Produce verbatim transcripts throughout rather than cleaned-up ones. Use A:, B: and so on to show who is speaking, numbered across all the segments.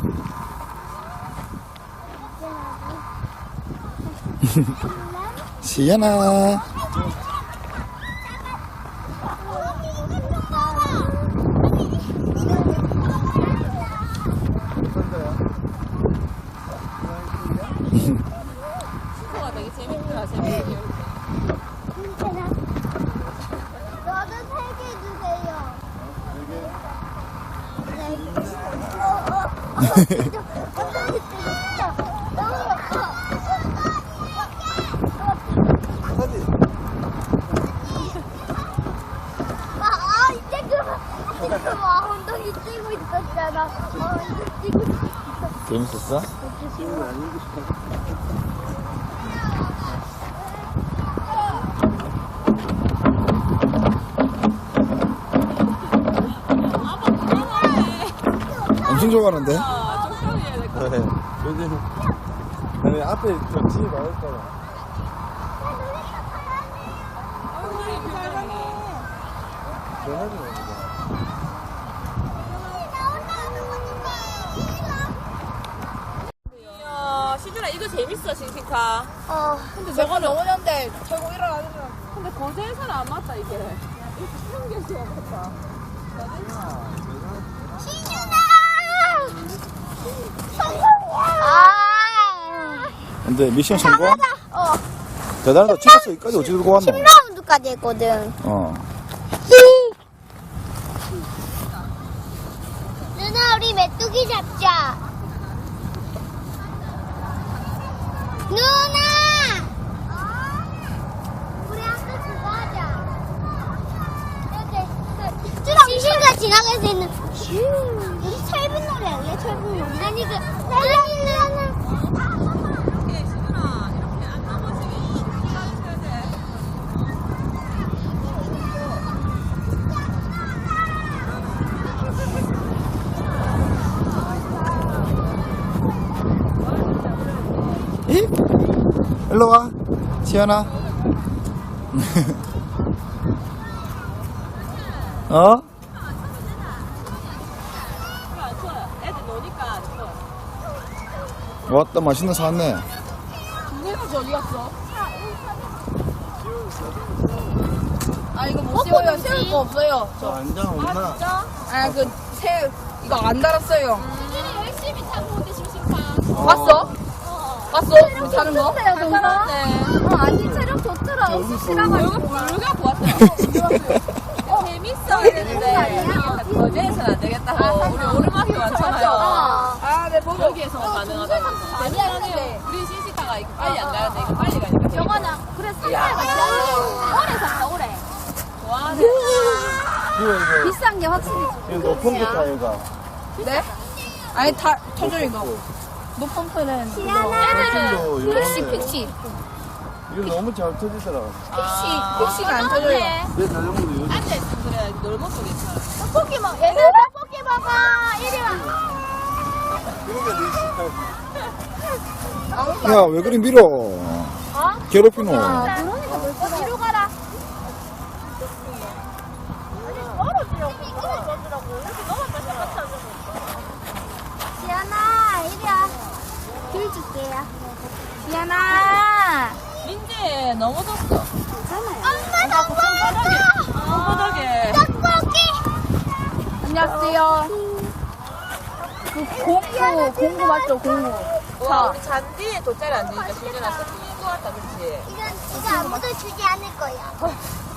A: 시연아.
B: 친구가 되게 재밌더라, 재밌게.
C: 너도 세 개 주세요. 세 개? 아, 이제 그만. 이제 그만. 엉덩이 찌고 있었잖아. 어, 이제 찌고 있었어.
A: 재밌었어? 엄청 좋아하는데?
B: 아, 좀 해야 될 것 같아.
D: 네. 요즘 아니 앞에 저 집이 많을까봐. 전화도 옵니다.
B: 이야, 시준아, 이거 재밌어, 싱싱카.
C: 어,
B: 근데 저거 넘어졌는데, 결국 일어나는 줄 알았어. 근데 거제에서는 안 맞다, 이게. 이렇게 생겨서 안 맞다.
C: 아,
A: 근데 미션 성공?
C: 어,
A: 대단하다. 집에서 여기까지 어찌 들고 왔노?
C: 십 라운드까지 했거든.
A: 어.
C: 누나, 우리 메뚜기 잡자. 누나! 우리 아까 그거 하자. 이렇게, 시신과 지나갈 수 있는. 우리 철분 놀이 할래? 철분 놀이? 아니, 그, 랄랄랄랄.
B: 이렇게, 시준아, 이렇게 안 넘어지게 기다려줘야 돼.
A: 이? 일로 와. 시연아. 어?
B: 안 추워요. 애들 노니까 안 추워요.
A: 왔다. 맛있는 거 사왔네.
B: 누구는 어디 갔어? 아, 이거 못 씌워요. 씌울 거 없어요.
D: 저 안장 없나?
B: 진짜? 아, 그, 새, 이거 안 달았어요.
C: 열심히 타고 온데 심심한.
B: 봤어? 봤어? 자는 거?
C: 좋던데요,
B: 잘
C: 동서?
B: 살았네.
C: 어, 아니, 체력 좋더라.
B: 여기 불가 보았어요. 재밌어 했는데 거제에서는 안 되겠다고. 우리 오르막이 많잖아요.
C: 아,
B: 네, 보고 여기에서 가능하다고.
C: 아니야,
B: 우리 시시카가 이거 빨리 안 가는데 이거 빨리 가니까.
C: 저거는, 그래, 스타일 같이 하는 오래 산다, 오래.
B: 좋아하네.
D: 이거 이거
C: 비싼 게 확실히
D: 이거 높은 거 타이가.
B: 네? 아니, 다, 터져, 이거. 노펌프는 그거.
D: 도
B: 픽시, 픽시.
D: 이거 너무 잘 터지더라고.
B: 픽시, 픽시가 안 터져요.
D: 내 자전거도 요즘
B: 앉아있으면 그래, 넓어도 괜찮아.
C: 떡볶이 먹, 얘들 떡볶이 먹어. 이리 와.
D: 이거 내
A: 야, 왜 그리 밀어? 괴롭히노.
C: 그러니까 벌써 뒤로 가라. 떨어지려고, 떨어지라고. 이렇게 넘어졌다 생각하는 지연아, 이리 와. 귤 줄게요. 지연아.
B: 민재, 넘어졌어.
C: 엄마 떡볶이.
B: 손바닥에.
C: 떡볶이.
B: 안녕하세요. 그 공구, 공구 맞죠, 공구. 와, 우리 잔디에 돗자리 앉으니까 시준아 스키인 것 같다, 그치?
C: 이건 이거 아무도 주지 않을 거야.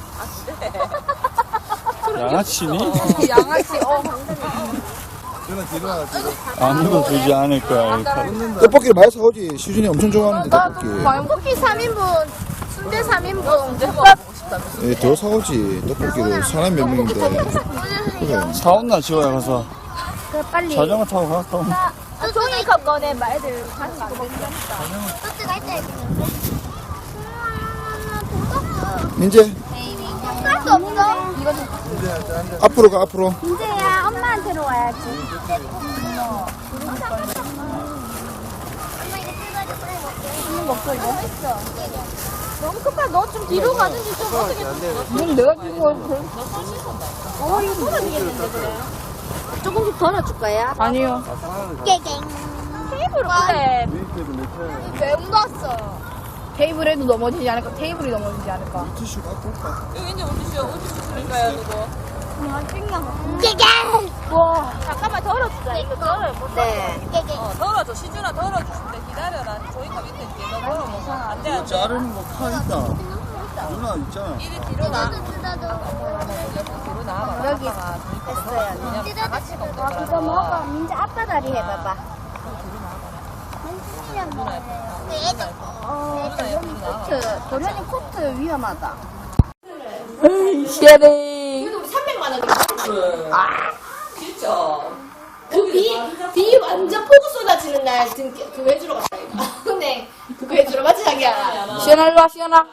B: 아, 그래?
A: 양아치니?
B: 양아치, 어.
D: 저는 뒤로 하나 뒤로.
A: 아무도 주지 않을 거야.
D: 웃는다.
A: 떡볶이를 많이 사오지. 시준이 엄청 좋아하는데, 떡볶이.
B: 떡볶이 삼 인분, 순대 삼 인분, 국밥.
A: 예, 더 사오지. 떡볶이를 사람이 몇 명인데. 그래.
D: 사온나 지호야 가서
C: 그래, 빨리.
D: 자전거 타고 갔다.
C: 아, 종이컵 꺼내, 말들. 가서 안 된다니까. 소스가 있다, 했는데.
A: 민재,
C: 할수 없어? 이거 좀.
A: 앞으로 가, 앞으로.
C: 민재야, 엄마한테로 와야지. 엄마 이거 뜯어줘, 그래, 먹게.
B: 있는 거 없어, 이거?
C: 있어. 너무 급하 너 좀 뒤로 가든지 좀 어떻게.
B: 문 내가 주고 와. 너 손 씻었다.
C: 어, 이거 떨어지겠는데, 그래. 조금씩 덜어줄 거야?
B: 아니요.
C: 깨갱.
B: 테이블 그래.
D: 메이크업을 냈잖아.
C: 왜 묻었어?
B: 테이블에도 넘어지지 않을까? 테이블이 넘어지지 않을까?
A: 티슈 갖고 올까?
B: 여기 이제 우주쇼, 우주쇼 드릴까요, 누구?
C: 깨갱.
B: 와, 잠깐만 덜어주자. 이거 덜어요.
C: 네. 깨갱.
B: 어, 덜어줘. 시준아 덜어주신대. 기다려라. 조이컵 밑에 있지. 너 덜어먹어. 안 돼, 안 돼.
A: 자르는 거 파 있다. 누나 있잖아.
B: 이리 뒤로 나.
C: 뜯어도.
B: 뒤로 나와봐.
C: 여기
B: 아빠가
C: 됐어요.
B: 그냥 다 같이 먹는 거라.
C: 그거 먹어. 민지 아빠 다리 해봐봐. 어, 코트. 도련이 코트 위험하다.
B: 시아네.
E: 그래도 우리 삼백만 원.
B: 아, 진짜.
E: 그 비, 비 완전 폭우 쏟아지는 날 등, 그거 해주러 갔다, 이거. 근데, 그거 해주러 맞지, 자기야?
B: 시원아, 일로 와, 시원아.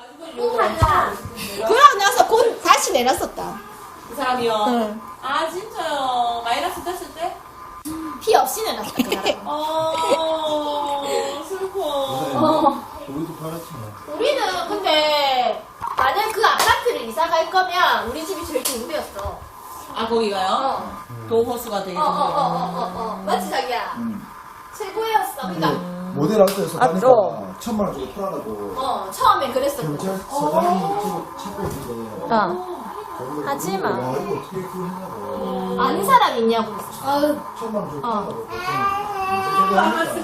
E: 그러고 나서 곧 다시 내놨었다.
F: 그 사람이요?
B: 응.
F: 아 진짜요? 마이너스 됐을 때?
E: 피 없이 내놨다, 그날.
F: 어 슬퍼.
E: 어.
A: 우리도 팔았잖아.
E: 우리는 근데, 만약 그 아파트를 이사 갈 거면, 우리 집이 제일 좋은데였어.
F: 아 거기가요?
E: 어.
F: 도호수가 되게
E: 어, 어, 어,
F: 좋은데요.
E: 어, 어, 어. 맞지, 자기야?
A: 응.
E: 최고였어. 그니까,
A: 모델 아웃에서
B: 맞죠?
A: 다니까 천만 원 주고 팔아라고.
E: 어, 처음엔 그랬었고.
A: 경찰서장이 지금 찾고 있는데.
B: 어.
E: 하지 마.
A: 와, 이거 어떻게 그걸 했냐고.
E: 아는 사람 있냐고. 아유.
A: 천만 원 주고
E: 어.
A: 팔아라고.